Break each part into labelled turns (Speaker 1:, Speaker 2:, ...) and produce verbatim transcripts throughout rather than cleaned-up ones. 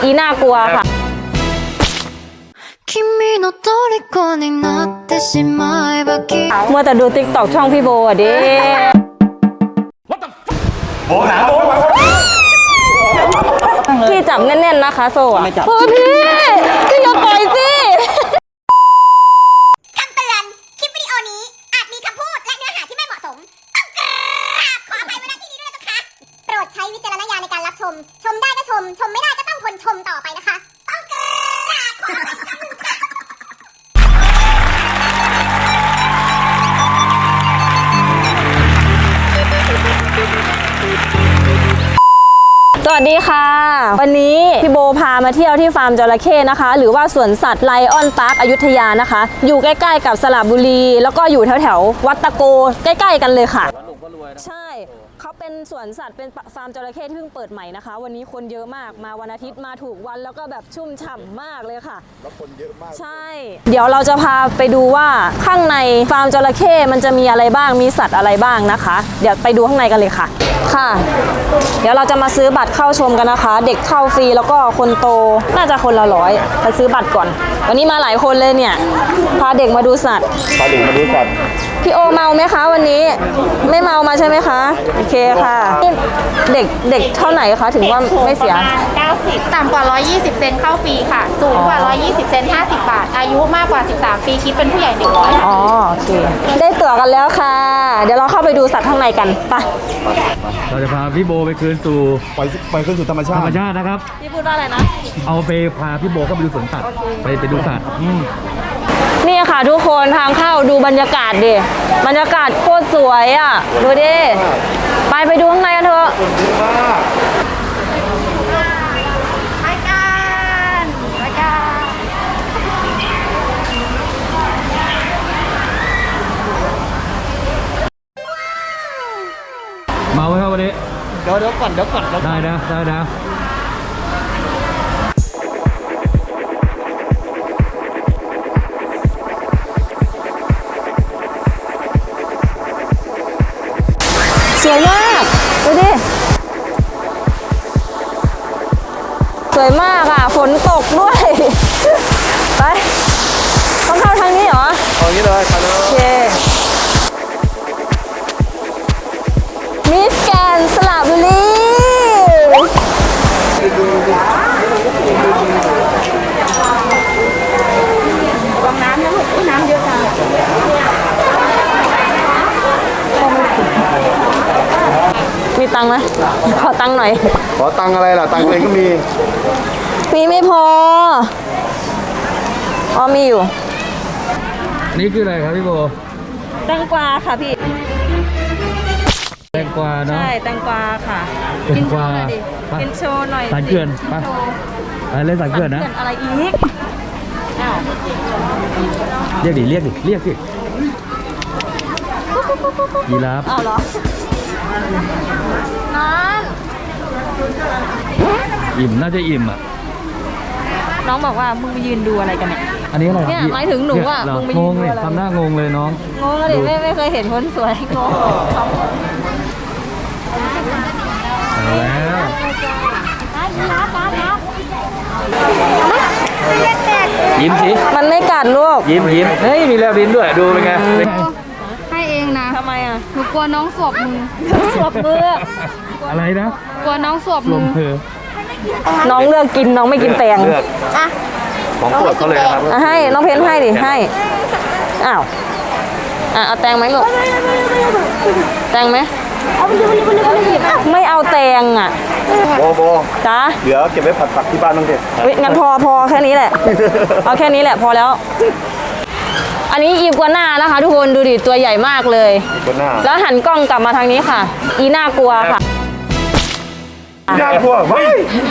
Speaker 1: อีน่ากลัวค่ะมัวแต่ดูติ๊กต็อกช่องพี่โบอ่ะดิ
Speaker 2: โบหนาโบ
Speaker 1: พี่จับแน่นๆนะคะโซ่อะเฮ้ยพี่พี่อย่าปล่อยสิ
Speaker 3: คำเตือนคลิปวิดีโอนี้อาจมีคำพูดและเนื้อหาที่ไม่เหมาะสมต้องกราบขออภัยไว้ณที่นี้ด้วยนะคะโปรดใช้วิจารณญาณในการรับชมชมได้ก็ชมชมไม่ได้ก็ต้องทนชมต่อไปนะคะต้องกราบขออภัยค่ะ
Speaker 1: สวัสดีค่ะวันนี้พี่โบพามาเที่ยวที่ฟาร์มจระเข้นะคะหรือว่าสวนสัตว์ไลออนพาร์คอยุธยานะคะอยู่ใกล้ๆกับสระบุรีแล้วก็อยู่แถวๆวัดตะโกใกล้ๆกันเลยค่ะใช่เขาเป็นสวนสัตว์เป็นฟาร์มจระเข้ที่เพิ่งเปิดใหม่นะคะวันนี้คนเยอะมากมาวันอาทิตย์มาถูกวันแล้วก็แบบชุ่มฉ่ำมากเลยค่ะแล้วคนเยอะมากใช่เดี๋ยวเราจะพาไปดูว่าข้างในฟาร์มจระเข้มันจะมีอะไรบ้างมีสัตว์อะไรบ้างนะคะเดี๋ยวไปดูข้างในกันเลยค่ะค่ะเดี๋ยวเราจะมาซื้อบัตรเข้าชมกันนะคะเด็กเข้าฟรีแล้วก็คนโตน่าจะคนละร้อยไปซื้อบัตรก่อนวันนี้มาหลายคนเลยเนี่ยพาเด็กมาดูสัตว์
Speaker 2: พาเด็กมาดูสัตว์
Speaker 1: พี่โอเมาไหมคะวันนี้ไม่เมามาใช่ไหมคะโอเคค่ะเด็กเด็กเท่าไหร่คะถึงว่าไม่เสีย
Speaker 4: เก้าสิบต่ำกว่าหนึ่งร้อยยี่สิบเซนเข้าฟรีค่ะสูงกว่าหนึ่งร้อยยี่สิบเซนห้าสิบบาทอายุมากกว่าสิบสามปีคิดเป็นผู้ใหญ่หนึ่งร้อย
Speaker 1: อ๋อโอเคได้ตั๋วกันแล้วค่ะเดี๋ยวเราเข้าไปดูสัตว์ข้างในกันไป
Speaker 5: เราจะพาพี่โบไปคืนสู่
Speaker 2: ไปไปคืนสู่ธรรมชาติ
Speaker 5: ธรรมชาตินะครับ
Speaker 1: พี่พูดว่าอะไรนะ
Speaker 5: เอาไปพาพี่โบเข้าไปดูสวนสัตว์ไปไปดูสัตว์
Speaker 1: นี่ค่ะทุกคนทางเข้าดูบรรยากาศดิบรรยากาศโคตรสวยอ่ะดูดิไปไปดูข้างในกันเถอะ
Speaker 4: ไปกันไปกัน
Speaker 5: เมาไหมครับวันนี้
Speaker 2: เดี๋ยวเดี๋ยวก่อนเดี๋ยวก่อน
Speaker 5: ได้นะได้นะ
Speaker 1: สวยมากดูดิสวยมากอ่ะฝนตกด้วยไปต้องเข้าทางนี้เหรอ
Speaker 2: เอางี้เลยไปเลย
Speaker 1: โอเคมิสแกรนด์สระบุรี
Speaker 4: ลองน้ำนะลูกน้ำเยอะจัง
Speaker 1: มีตังค์ไหมขอตังค์หน่อย
Speaker 2: ขอตังค์อะไรล่ะตังค์เองก็มี
Speaker 1: มีไม่พออ๋อมีอยู่
Speaker 5: นี่คืออะไรครับพี่โบ
Speaker 1: แตงกวาค่ะพี่
Speaker 5: แตงกวาเนาะ
Speaker 1: ใช่แตงกวาค่ะ
Speaker 5: แตงกวา
Speaker 1: กินโชว์หน่อย
Speaker 5: สารเกลือนไปอะไรเล่นสารเกลือนนะ
Speaker 1: อะไรอีกอ้าว
Speaker 5: เรียกดิเรียกดิเรียกสิยีราฟ
Speaker 1: อ้าวเหรอนั่น
Speaker 5: อิ่มน่าจะอิ่มอ่ะ
Speaker 1: น้องบอกว่ามึงยืนดูอะไรกันเนี่ย
Speaker 5: อันนี้อะไร
Speaker 1: เนี่ยหมายถึงหนูอ่ะมึงไป
Speaker 5: ยื
Speaker 1: น
Speaker 5: ดูอะไรทำหน้างงเลยน้อง
Speaker 1: งงเลยไม่ไม่เคยเห็นคนสวยงง
Speaker 5: เอาแล้วยิ้มสิ
Speaker 1: มันไม่กัดลูก
Speaker 5: ยิ้มยิ้มเฮ้ยมีแลบลิ้นด้วยดูเป็นไง
Speaker 4: ให้เองนะ
Speaker 1: ทำไมอ่ะ
Speaker 4: หนูกลัวน้องสวบมือ
Speaker 1: สวบมือ
Speaker 5: อะไรนะ
Speaker 4: กลัวน้องสวบมือ
Speaker 1: น้องเลือกกินน้องไม่กินแตง
Speaker 2: อ่ะของโปรดเขาเลยครับ
Speaker 1: ให้น้องเพนให้ดิให้อ้าวอ่ะเอาแตงไหมลูกแตงไหมไม่เอาแตงอ่ะ
Speaker 2: โบโบ
Speaker 1: จ้า
Speaker 2: เดี๋ยวเก็บไว้ผัดผักที่บ้านน้องเด็ก
Speaker 1: งั้นพอพอแค่นี้แหละเอาแค่นี้แหละพอแล้วอันนี้อีกัวน่านะคะทุกคนดูดิตัวใหญ่มากเลยแล้วหันกล้องกลับมาทางนี้ค่ะอีน่ากลัวค่ะ
Speaker 2: น่ากลัวไม่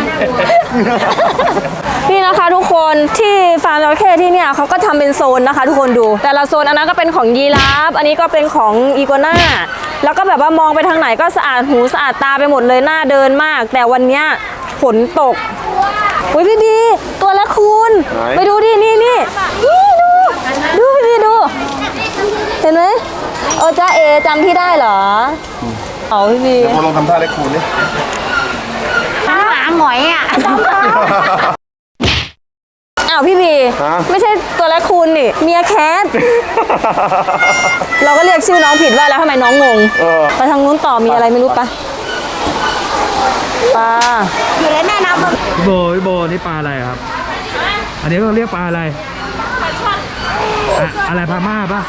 Speaker 1: นี่นะคะทุกคนที่ฟาร์มจระเข้ที่เนี่ยเขาก็ทำเป็นโซนนะคะทุกคนดูแต่ละโซนอันนั้นก็เป็นของยีราฟอันนี้ก็เป็นของอีกัวน่าแล้วก็แบบว่ามองไปทางไหนก็สะอาดหูสะอาดตาไปหมดเลยน่าเดินมากแต่วันนี้ฝนตกอุ้ยพี่บีตัวละคุณไปดูดินี่นี่นี่ดูดูพี่บีดูเห็นไหมโอ้จ้าเอจำพี่ได้เหรอเอาพี่บี
Speaker 2: เดี๋ยวมาลองทำท่าเล็กคูณนี่
Speaker 4: หมาหมอยอ่ะ
Speaker 1: าวพี่บี
Speaker 2: ฮะ
Speaker 1: ไม่ใช่ตัวแรคคูนนี่เมียแคท เราก็เรียกชื่อน้องผิดว่าแล้วทำไมน้องงง
Speaker 2: เออ
Speaker 1: ไปทางนู้นต่อมีอะไรไม่รู้ปะปลา
Speaker 3: อยู่ในแม่น้ำมัน
Speaker 5: พี่โบพี่โบนี่ปลาอะไรครับ อันนี้เขาเรียกปลาอะไรปลาช่อนอะอะไรพาม่าปะ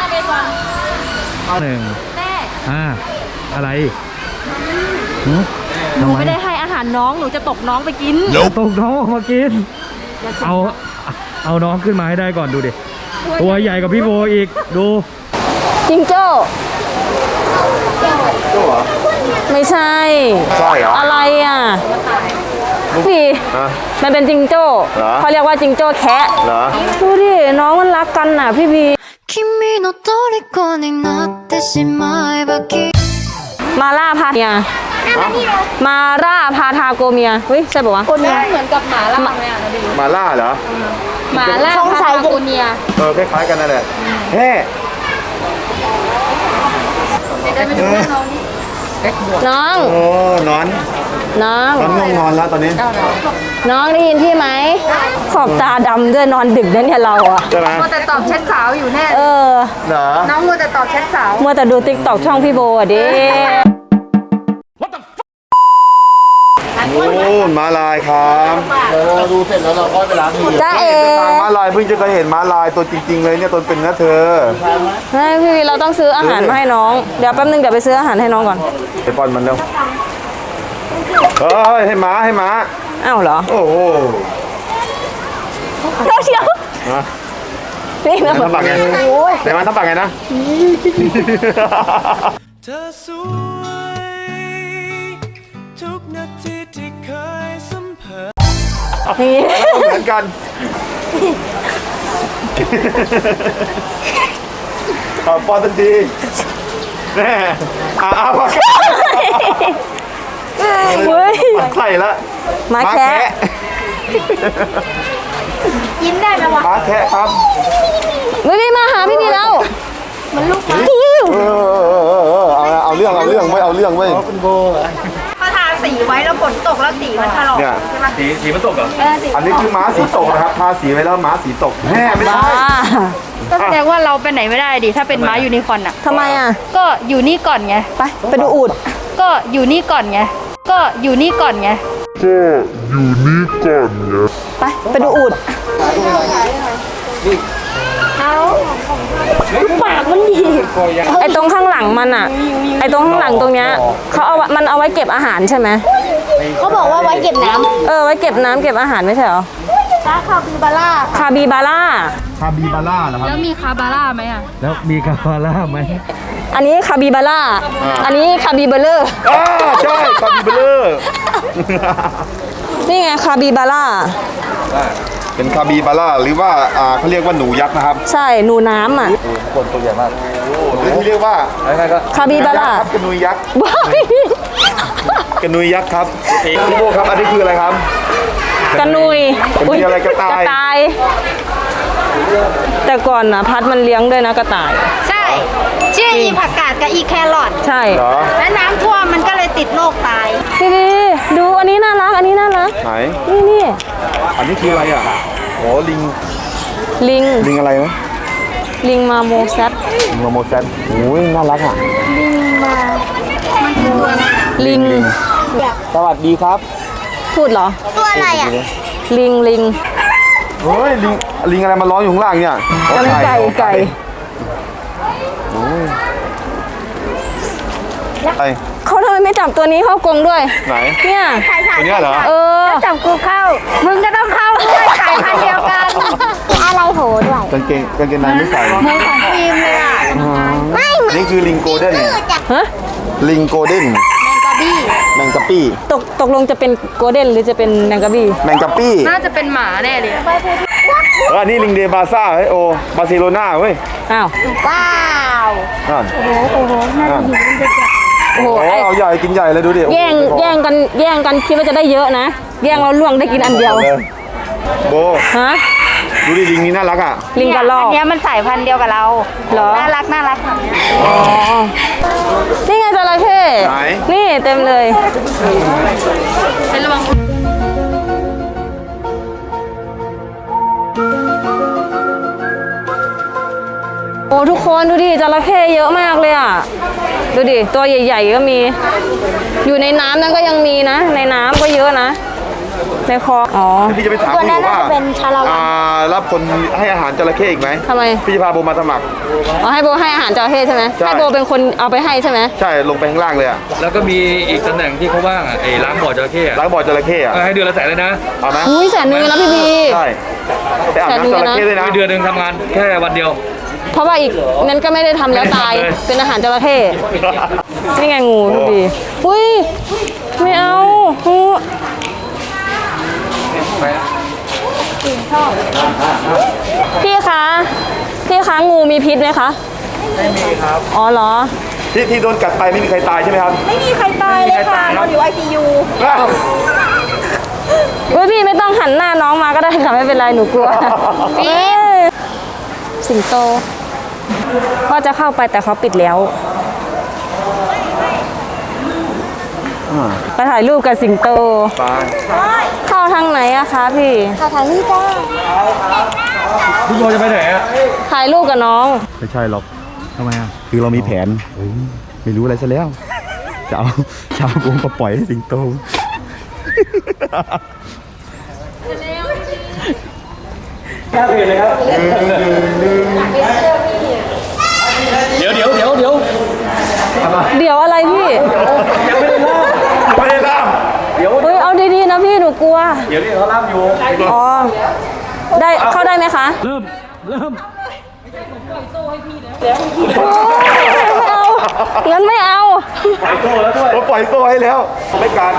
Speaker 5: หนึ่งอ่าอะไรหือ
Speaker 1: หนูไม่ได้ให้อาหารน้องหนูจะตกน้องไปกิน
Speaker 5: ตกน้องออกมากิน เอาเอาน้องขึ้นมาให้ได้ก่อนดูดิ ตัวใหญ่กว่าพี่โบอีกดู
Speaker 1: จิงโจ้
Speaker 2: โจ้เหรอ
Speaker 1: ไม่ใช่
Speaker 2: ใช่เหรอ
Speaker 1: อะไรอ่ะพี่
Speaker 2: ฮะ
Speaker 1: มันเป็นจิงโจ้
Speaker 2: เหรอ
Speaker 1: เขาเรียกว่าจิงโจ้แคะ
Speaker 2: เหรอ
Speaker 1: ดูดิน้องมันรักกันน่ะพี่บี
Speaker 6: 君の虜になってしまえばきっと
Speaker 1: มาล่าพาเมียมาล่าพาทาโกเมียเฮ้ยใช่ป่าวะ
Speaker 4: คนนี้เหมือนกับหมาล่าไหมอ่ะนะดิ
Speaker 2: มาล่าเหรอ
Speaker 4: หมาล่าพาทาโกเนีย
Speaker 2: เออคล้ายๆกันนั่นแหละแฮ่
Speaker 1: น้อง
Speaker 2: โอ้นอน
Speaker 1: น้อง
Speaker 2: นอนง่วงนอนแล้วตอนนี้
Speaker 1: น้องได้ยินพี่ไหมขอบตาดำด้วยนอนดึกนะเนี่ยเราอะ
Speaker 2: ใช่ไหม
Speaker 4: มัวแต่ตอบแชทสาวอยู่แน่
Speaker 1: เออ
Speaker 2: เหรอ
Speaker 4: น้องมัวแต่ตอบแชทสาว
Speaker 1: มัวแต่ดูติ๊กตอกช่องพี่โบอ่ะดิ
Speaker 2: โอ้ม้าลายครับเราดูเสร็จแล้วเราค่อยไปล้างมือ
Speaker 1: จ้าเอ๋
Speaker 2: ทางม้าลายเพิ่งจะเคยเห็นม้าลายตัวจริงๆเลยเนี่ยตัวเป็นนะเธอ
Speaker 1: เฮ้ยพี่วีเราต้องซื้ออาหารมาให้น้องเดี๋ยวแป๊บนึงเดี๋ยวไปซื้ออาหารให้น้องก่อน
Speaker 2: ไปป้อนมันเร็วเฮ้ยให้ม้าให้ม้า
Speaker 1: อ้าวเหรอ
Speaker 2: โอ้โห
Speaker 1: เดี๋ยวเชียว
Speaker 2: ฮะ
Speaker 1: นี่
Speaker 2: ไหน
Speaker 1: นะ
Speaker 2: ทำปากไงไหนมันทำปากไงนะ
Speaker 7: เธอสวยทุกนาทีที่เคยสัมผัส
Speaker 1: นี่
Speaker 2: เหมือนกันขอป้อนทันทีแน่อ่าปาก
Speaker 1: เฮ้ย
Speaker 2: ใส่ละ
Speaker 1: ม้าแคะ
Speaker 3: ยิ้มได้ไหมวะ
Speaker 2: ม้าแคะครับ
Speaker 1: ไม่ได้มาหาพี่วีแล้ว
Speaker 3: มันลูกม้า
Speaker 2: เออเออเออเออเอาเอาเรื่องเอาเรื่องไม่เอาเรื่องเว้ย
Speaker 4: พอทาสีไว้แล้วฝนตกแล้วสีมันถลอก
Speaker 2: เนี่ย
Speaker 5: สีสีมันตกเหรอ
Speaker 2: อันนี้คือม้าสีตกนะครับทาสีไว้แล้วม้าสีตกแม่ไม่
Speaker 1: บ้า
Speaker 2: ใช่
Speaker 4: ก็แสดงว่าเราไปไหนไม่ได้ดิถ้าเป็นม้ายูนิคอร์นอ่ะ
Speaker 1: ทำไมอ่ะ
Speaker 4: ก็อยู่นี่ก่อนไง
Speaker 1: ไปไปดูอูด
Speaker 4: ก็อยู่นี่ก่อนไง ก็อยู่นี่ก่อนไง
Speaker 1: ไปไปดูอูดปากมันดีไอตรงข้างหลังมันอ่ะ ไอตรงข้างหลังตรงเนี้ยเขาเอามันเอาไว้เก็บอาหารใช่ไหม
Speaker 3: เขาบอกว่าไว้เก็บน้
Speaker 1: เออไว้เก็บน้ำเก็บอาหารไม่ใช่เหรอ
Speaker 3: ำช้าคาบิบาร่า
Speaker 1: คาบิบาร่า
Speaker 2: คาบิบาร่าเหรอครับ
Speaker 4: แล้วมีคาบาร่าไหมอ่ะ
Speaker 5: แล้วมีกาฟาร่าไหม
Speaker 1: อันนี้คาบิบาร่า อันนี้คาบิเบลเลอร์
Speaker 2: อ่าใช่คาบิบาร่า
Speaker 1: นี่ไงคาบิบาร่า
Speaker 2: เป็นคาบิบาร่าหรือว่าอ่าเขาเรียกว่าหนูยักษ์นะครับ
Speaker 1: ใช่หนูน้ำอ่ะ
Speaker 2: คนตัวใหญ่มากหรือที่เรียกว่าอะไรก็
Speaker 1: คาบิบาร่า
Speaker 2: ครับกระนุยยักษ์
Speaker 1: ว้าย
Speaker 2: กระนุยยักษ์ครับพี่โบครับอันนี้คืออะไรครับ
Speaker 1: กระนุย
Speaker 2: มันมีอะไรกระต่าย
Speaker 1: กระต่าย แต่ก่อนนะพัดมันเลี้ยงด้วยนะกระต่าย
Speaker 4: ใช่ ชื่ออีผักกาดกับอีแครอท
Speaker 1: ใช่
Speaker 2: เหรอ
Speaker 4: และน้ำท่วมมันก็เลยติดโรคตาย
Speaker 1: พี่ดีดูอันนี้น่ารัก อันนี้น่ารัก
Speaker 2: ไหน
Speaker 1: นี่นี่
Speaker 2: อันนี้คืออะไรอ่ะโอ้ลิง
Speaker 1: ลิง
Speaker 2: ลิงอะไรนะ
Speaker 1: ลิงมาโมแซด
Speaker 2: ลิงโมแซนโอ้ยน่ารักอ่ะ
Speaker 1: ลิง
Speaker 2: สวัสดีครับ
Speaker 1: พูดเหรอ
Speaker 3: ตัวอะไรอ่ะ
Speaker 1: ลิงลิง
Speaker 2: เฮ้ยลิงลิงอะไรมาร้องอยู่ข้างล่างเนี่ย
Speaker 1: กันไก่ไก่
Speaker 2: ไก่
Speaker 1: เขาทำไมไม่จับตัวนี้เข้ากรงด้วย
Speaker 2: ไหน
Speaker 1: เนี่ย
Speaker 2: ตัวเนี้ยเหรอ
Speaker 1: เออ
Speaker 4: จับกูเข้า มึงก็ต้องเข้าด้วยสายพันธุ์เดียวกัน
Speaker 3: อะไรโหด้วย
Speaker 2: กางเกงกางเกงในไม่ใส่
Speaker 4: เหมือนของฟิล์มเลยอ่ะ
Speaker 3: ไม่เหมือน
Speaker 2: นี่คือลิงโกลเด้น
Speaker 1: ฮะ
Speaker 2: ลิงโกลเด้น
Speaker 4: แมงกะบี้
Speaker 2: แมงกะปี้
Speaker 1: ตกตกลงจะเป็นโกลเด้นหรือจะเป็นแมงกะบี้
Speaker 2: แมงกะปี้
Speaker 4: น่าจะเป็นหมาแน่เลย
Speaker 2: เอออันนี้ลิงเดบาซ่าเฮ้ยโอบาร์เซโลนาเว้ย
Speaker 1: อ้าว
Speaker 3: ว้าว
Speaker 2: นั่นโอ้โหน่า
Speaker 1: โอ้โห
Speaker 2: โอ้
Speaker 1: ไอ้
Speaker 2: เอาใหญ่กินใหญ่เลยดูดิ
Speaker 1: แย่งแย่งกันแย่งกันคิดว่าจะได้เยอะนะ แย่งเราล่วงได้กินอันเดียว
Speaker 2: โบ
Speaker 1: ฮะ
Speaker 2: ดูดิลิงนี้น่ารักอ่ะ
Speaker 1: ลิงกระรอก
Speaker 4: อันเนี้ยมันสายพันธุ์เดียวกับเรา
Speaker 1: เหรอ
Speaker 4: น่ารักน่ารักแบบเนี้ย
Speaker 1: อ๋อ นี่ไงจระเข้
Speaker 2: ไหน
Speaker 1: นี่เต็มเลย
Speaker 4: เป็นระวัง
Speaker 1: คนดูดิจระเข้เยอะมากเลยอ่ะดูดิตัวใหญ่ๆก็มี อยู่ในน้ำนั้นก็ยังมีนะ ในน้ำก็เยอะนะในคลองอ๋อ
Speaker 2: พี่จะไปถามพี่ว่าอ่ารับคนให้อาหารจระเข้อีกไหม
Speaker 1: ทำไม
Speaker 2: พี่จะพาโบมาสมัคร
Speaker 1: อ๋อให้โบให้อาหารจระเข้ใช่ไหม
Speaker 2: ใช่
Speaker 1: ให้โบเป็นคนเอาไปให้ใช่ไหม
Speaker 2: ใช่ลงไปข้างล่างเลยอะ
Speaker 5: แล้วก็มีอีกตำแหน่งที่เขาว่างอ่ะไอ้ล้างบ่อจระเข้อะ
Speaker 2: ล้างบ่อจระเข้อะ
Speaker 5: เออให้เดือนละแสนเลยนะ
Speaker 2: เอาไหม
Speaker 1: อุ้ยแสนนึงนะพี่บี
Speaker 2: ใช่ไปอาบน้ำจระเข้ด้วยนะ
Speaker 5: เดือนหนึ่งทำงานแค่วันเดียว
Speaker 1: เพราะว่าอีกนั้นก็ไม่ได้ทำแล้วตาย
Speaker 5: ไม่ได้ทำเลย
Speaker 1: เป็นอาหารจระเข้นี่ไงงูพี่บีอุ้ยไม่เอางูพี่คะพี่คะงูมีพิษไหมคะไม่มีครับอ๋อเหรอ
Speaker 2: ที่ที่โดนกัดไปไม่มีใครตายใช่ไหมครับ
Speaker 1: ไม่มีใครตายเลยค่ะนอนอยู่ ไอ ซี ยู เฮ้ยพี่ไม่ต้องหันหน้าน้องมาก็ได้ค่ะไม่เป็นไรหนูกลัวฟิล์มสิงโตว่าจะเข้าไปแต่เขาปิดแล้วไปถ่ายรูปกับสิงโต
Speaker 2: ไป
Speaker 1: เข้าทางไหนอะคะพี่เข้าทางนี้จ้า
Speaker 5: พี่โบจะไปไหนอ่ะ
Speaker 1: ถ่ายรูปกับน้อง
Speaker 2: ไม่ใช่หรอก
Speaker 5: ทำไมอ่ะ
Speaker 2: คือเรามีแผนไม่รู้อะไรซะแล้ว จะเอาชาวกรุงมาปล่อยให้สิงโต
Speaker 5: เดี๋ยวเดี๋ยวเดี๋ยวเดี๋ยว
Speaker 1: เดี๋ยวอะไรพี่
Speaker 2: ไม่ได้ล่าม
Speaker 1: เฮ้ยเอาดีๆนะพี่หนูกลัว
Speaker 5: เดี๋ยวนี่เขาล่ามอยู่
Speaker 1: อ๋อได้เข้าได้ไหมคะ
Speaker 5: เริ่มเริ่ม
Speaker 1: โอ้ยไม่เอางั้นไม่เอา
Speaker 2: เราปล่อยโซ่ให้แล้วไม่การ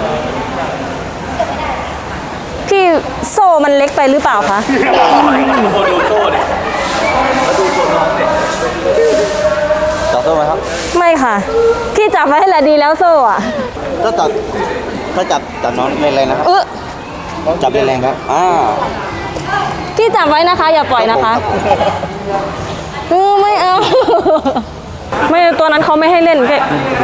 Speaker 1: พี่โซ่มันเล็กไปหรือเปล่าคะ
Speaker 5: โบดูโซ่เนี่ยแล้วดูตัวน้องเนี่ย
Speaker 8: จับโซ่ไหมครับ
Speaker 1: ไม่ค่ะ พี่จับไว้ให้ละดีแล้วโซ่อะ
Speaker 8: ก็จับก็จับจับน้องแรงๆนะครับ
Speaker 1: เออ
Speaker 8: จับแรงๆครับอ่า
Speaker 1: พี่จับไว้นะคะ อย่าปล่อยนะคะเออไม่เอา ไม่ตัวนั้นเขาไม่ให้เล่นแก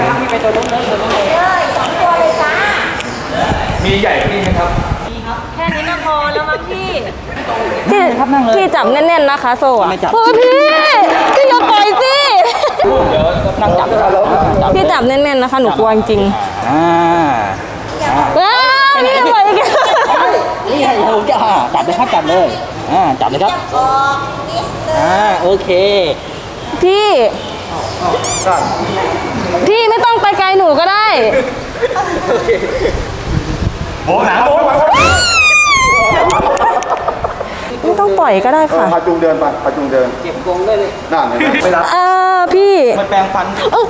Speaker 5: มีใหญ่กว่านี้ไหมครับ
Speaker 1: แค่นี้ก็พอแล้วมั้งพี่พี่พี่จับแน่นๆนะคะโซ่อะเฮ้ยพี่พี่อย่าปล่อยสิพี่จับแน่นๆนะคะหนูกลัวจริง
Speaker 8: อ่า
Speaker 1: ๆว้าวพี่อย่าปล่อยอีก
Speaker 8: นี่ไงผมจะอ่าจับเลยครับจับเลยอ่าจับเลยครับอ่าโอเค
Speaker 1: พี่ พี่ไม่ต้องไปไกลหนูก็ได้
Speaker 2: โบหนาโบ
Speaker 1: ไม่ต้องปล่อยก็ได้ค่ะ
Speaker 2: พาจูงเดินไปพาจูงเดินเก็บกงได้เลยน่าเห็นไหมไม่รับ
Speaker 1: เออพี่
Speaker 8: มันแปรงฟัน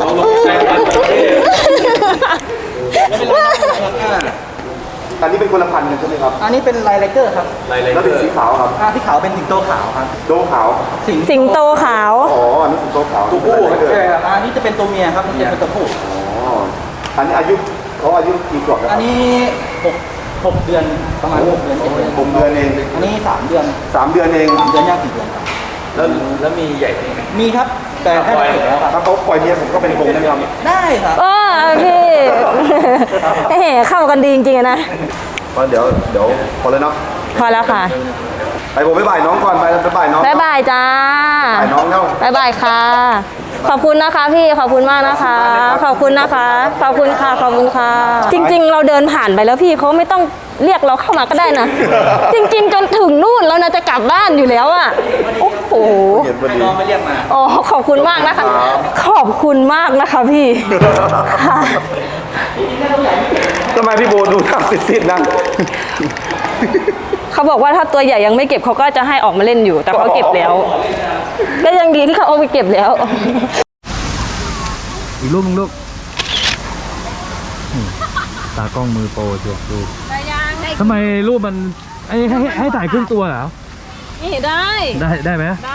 Speaker 2: อันนี้เป็นคนละพันธุ์กันใช่ไหมครับ
Speaker 8: อันนี้เป็นไลน์ไลเกอร์ครับ
Speaker 2: แล้วเป็นสีขาวครับ
Speaker 8: อ่าที่ขาวเป็นสิงโตขาวครับ
Speaker 2: โดขาว
Speaker 8: สิง
Speaker 1: สิงโตขาว
Speaker 2: อ๋อ อันนี้สิงโตขาว
Speaker 8: ตัวผู้
Speaker 2: ไม่เป็นไร
Speaker 8: ใช่ครับอันนี้จะเป็นตัวเมียครับนี่จะเป็นตัวผู้
Speaker 2: อ๋อ อันนี้อายุเขาอายุกี่ขวบแล้วค
Speaker 8: อั
Speaker 2: รับ
Speaker 8: นนี้หกหกเดือนประมาณหกเดือนเจ็ดเดือน
Speaker 2: ผมเดือนเอง
Speaker 8: อันนี้สามเดือน
Speaker 2: สามเดือนเอง
Speaker 8: สามเดือนย่างสี่เดือนครับ
Speaker 5: แล้วแล้วมีใหญ่กว่านี้ไหม
Speaker 8: มีครับแต่แค่ไม่ถึงแล้วครับ
Speaker 2: ถ้าเขาปล่อยเมียผมก็เป็นกงได้ไหมครับ
Speaker 8: ได้ครับ
Speaker 1: เออพี่เฮ้เข้ากันดีจริงๆอะนะ
Speaker 2: ก็เดี๋ยวเดี๋ยวพอเลยเนาะ
Speaker 1: พอแล้วค่ะ
Speaker 2: ไปผมไปบ่ายน้องก่อนไปไปบ่ายน้อง
Speaker 1: บ๊ายบายจ้า
Speaker 2: บ่ายน้องเนาะ
Speaker 1: บ๊ายบายค่ะ ขอบคุณนะคะพี่ ขอบคุณมากนะคะ ขอบคุณนะคะ ขอบคุณค่ะ ขอบคุณค่ะ จริง ๆ เราเดินผ่านไปแล้วพี่เขาไม่ต้องเรียกเราเข้ามาก็ได้นะ จริง ๆ จนถึงนู่นแล้วนะจะกลับบ้านอยู่แล้วอ่ะ โอ้โห
Speaker 2: เห็นพอดี
Speaker 8: น้องไม่เรียกมา
Speaker 1: อ๋อ ขอบคุณมากนะคะ ขอบคุณมากนะคะพี่ค่ะ
Speaker 2: ทำไมพี่โบดูหน้าซิดๆนะ
Speaker 1: เขาบอกว่าถ้าตัวใหญ่ยังไม่เก็บเขาก็จะให้ออกมาเล่นอยู่ แต่เขาเก็บแล้ว ก็ยังดีที่เขาเอาไปเก็บแล้ว
Speaker 5: อีกรูปหนึงลูกนี่ตากล้องมือโปรเชียวดูทำไมรูปมันไอ้ให้ให้ให้ถ่ายครึ่งตัวเหรอ
Speaker 1: นี่ได้
Speaker 5: ได้ได้ไหม
Speaker 1: ได้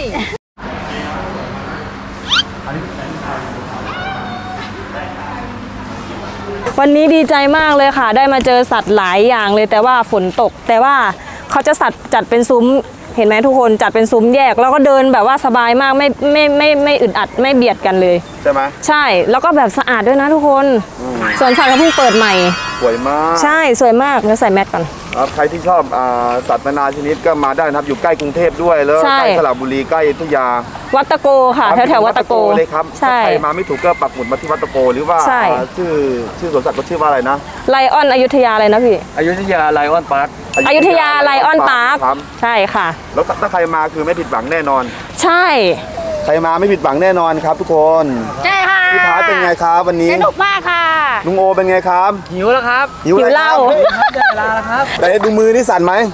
Speaker 1: วันนี้ดีใจมากเลยค่ะ ได้มาเจอสัตว์หลายอย่างเลยแต่ว่าฝนตก แต่ว่าเขาจะสัตว์จัดเป็นซุ้มเห็นไหมทุกคนจัดเป็นซุ้มแยก แล้วก็เดินแบบว่าสบายมากไม่ไม่ไม่ไม่อึดอัดไม่เบียดกันเลย
Speaker 2: ใช่ไหม
Speaker 1: ใช่แล้วก็แบบสะอาดด้วยนะทุกคนสวนสัตว์เขาเพิ่งเปิดใหม่
Speaker 2: สวยมาก
Speaker 1: ใช่สวยมากเดี๋ยวใส่แมสก่อน
Speaker 2: ครับใครที่ชอบอ่าสัตว์นานาชนิดก็มาได้นะครับอยู่ใกล้กรุงเทพด้วยแล้ว
Speaker 1: ใช่
Speaker 2: ใกล้สระบุรีใกล้อยุธยา
Speaker 1: วัดตะโกค่ะ แถวแถวๆวัดตะโก
Speaker 2: เลยครับ
Speaker 1: ใช่
Speaker 2: ถ้าใครมาไม่ถูกก็ปักหมุดมาที่วัดตะโกหรือว่า
Speaker 1: ใช่
Speaker 2: อ่าชื่อชื่อสวนสัตว์ก็ชื่อว่าอะไรนะ
Speaker 1: ไลออนอยุธยาเลยนะพี่
Speaker 8: อยุธยาไลออนพาร์ค
Speaker 1: อยุธยาไลออนพาร์ค
Speaker 2: ครับ
Speaker 1: ใช่ค่ะ
Speaker 2: แล้วถ้าใครมาคือไม่ผิดหวังแน่นอน
Speaker 1: ใช่
Speaker 2: ใครมาไม่ผิดหวังแน่นอนครับทุกคน
Speaker 4: ใช่ค่ะ
Speaker 2: พี่พาร์ทเป็นไงครับวันนี้
Speaker 4: สนุกมากค่ะ
Speaker 2: ลุงโอเป็นไงครับ
Speaker 8: หิวแล้วครับ
Speaker 2: หิว
Speaker 1: หิว
Speaker 2: อะไร
Speaker 1: เหล้า
Speaker 2: ครับ
Speaker 8: ได้เวลาแล้วครับ
Speaker 2: แต่ดูมือนี่สั่นไหม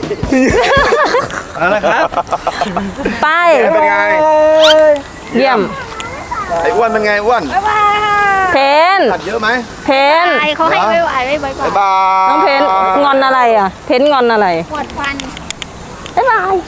Speaker 8: เอาละครับ
Speaker 1: ไป
Speaker 2: เป็นไง
Speaker 1: เยี่ยม
Speaker 2: ไอ้อ้วนเป็นไงอ้วน
Speaker 1: เพน
Speaker 2: สัตว์เยอะไหม
Speaker 1: เพน
Speaker 4: ไอเขาให้ไม่ไหวไม่ไหวก่อน
Speaker 2: บ๊ายบาย
Speaker 1: น้องเพนงอนอะไรอ่ะ เพนงอนอะไร
Speaker 4: ปวดฟัน
Speaker 1: บ๊ายบาย